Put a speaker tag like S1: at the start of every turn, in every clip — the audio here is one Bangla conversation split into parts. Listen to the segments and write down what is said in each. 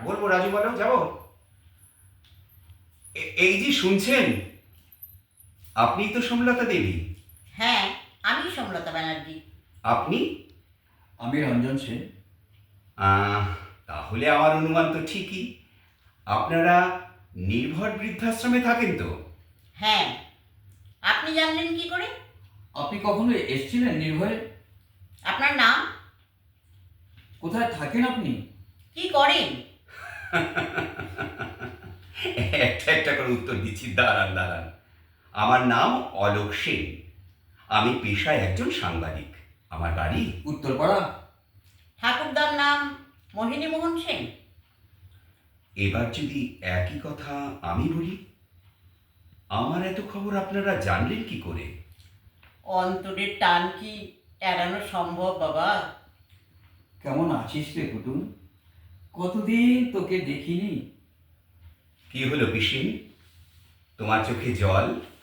S1: বলবো রাজু, বলো যাবো। এই যে শুনছেন, আপনিই তো সোমলতা দেবী।
S2: হ্যাঁ, আমি সমলতা ব্যানার্জি।
S1: আপনি?
S3: আমি রঞ্জন সেন।
S1: আহ, তাহলে আমার অনুমান তো ঠিকই। আপনারা নির্ভর বৃদ্ধাশ্রমে থাকেন তো?
S2: হ্যাঁ, আপনি জানলেন কি করে?
S3: আপনি কখনো এসেছিলেন নির্ভয়ে?
S2: আপনার নাম?
S3: কোথায় থাকেন আপনি?
S2: কি করেন?
S1: একটা একটা করে উত্তর দিচ্ছি, দাঁড়ান দাঁড়ান। আমার নাম অলোক সেন। আমি পেশায় একজন সাংবাদিক। আমার বাড়ি
S3: উত্তরপাড়া।
S2: ঠাকুরদার নাম মোহিনী মোহন সেন।
S1: এবার যদি একই কথা আমি বলি, আমার এত খবর আপনারা জানলেন কি করে?
S2: অন্তরের টান কি এড়ানো সম্ভব বাবা?
S3: কেমন আছিস রে কুটুম? কতদিন তোকে দেখিনি।
S1: কি হলো পিসিন, তোমার চোখে জল?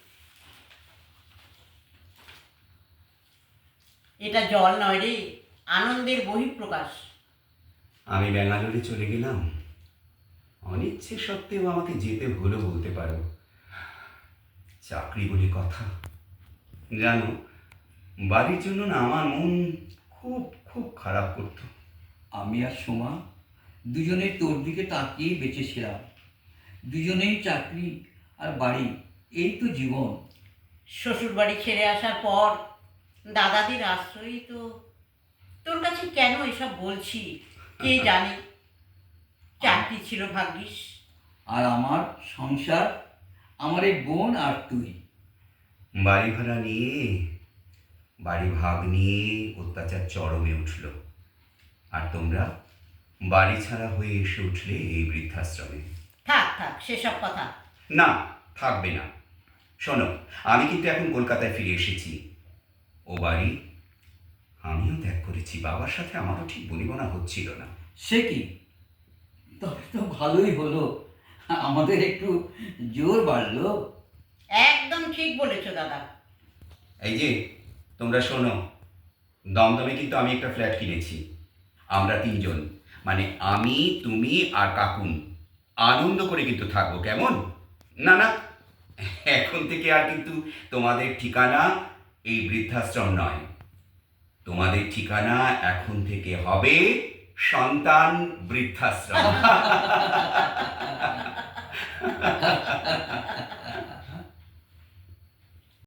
S2: এটা জল নয় রে, আনন্দের বহিঃপ্রকাশ।
S1: আমি ব্যাঙ্গালোরে চলে গেলাম। অনিচ্ছে সত্ত্বেও আমাকে যেতে হলো বলতে পারো। চাকরি বলে কথা। জানো, বাড়ির জন্য না আমার মন খুব খুব খারাপ করতো।
S3: আমি আর সোমা দুজনেই তোর দিকে তাকিয়েই বেঁচেছিলাম। দুজনেই চাকরি আর বাড়ি, এই তো জীবন।
S2: শ্বশুর বাড়ি ছেড়ে আসার পর দাদাদের আশ্রয়ই তো। তোর কাছে কেন এসব বলছি কে জানে। চাকরি ছিল ভাগ্যিস।
S3: আর আমার সংসার, আমার এই বোন আর তুই।
S1: বাড়ি ভাড়া নিয়ে, বাড়ি ভাগ নিয়ে অত্যাচার চরমে উঠল। আর তোমরা বাড়ি ছাড়া হয়ে এসে উঠলে এই বৃদ্ধাশ্রমে।
S2: থাক থাক সেসব কথা।
S1: না, থাকবে না। শোনো, আমি কিন্তু এখন কলকাতায় ফিরে এসেছি। ও বাড়ি আমিও ত্যাগ করেছি। বাবার সাথে আমারও ঠিক বনিবনা হচ্ছিল না।
S3: সে কি? তবে তো ভালোই হলো, আমাদের একটু জোর বাড়লো।
S2: একদম ঠিক বলেছো দাদা।
S1: এই যে তোমরা শোনো, দমদমে কিন্তু আমি একটা ফ্ল্যাট কিনেছি। আমরা তিনজন, মানে আমি, তুমি আর কাকুন আনন্দ করে কিন্তু থাকবো, কেমন? না না, এখন থেকে আর কিন্তু তোমাদের ঠিকানা এই বৃদ্ধাশ্রম নয়। তোমাদের ঠিকানা এখন থেকে হবে সন্তান বৃদ্ধাশ্রম।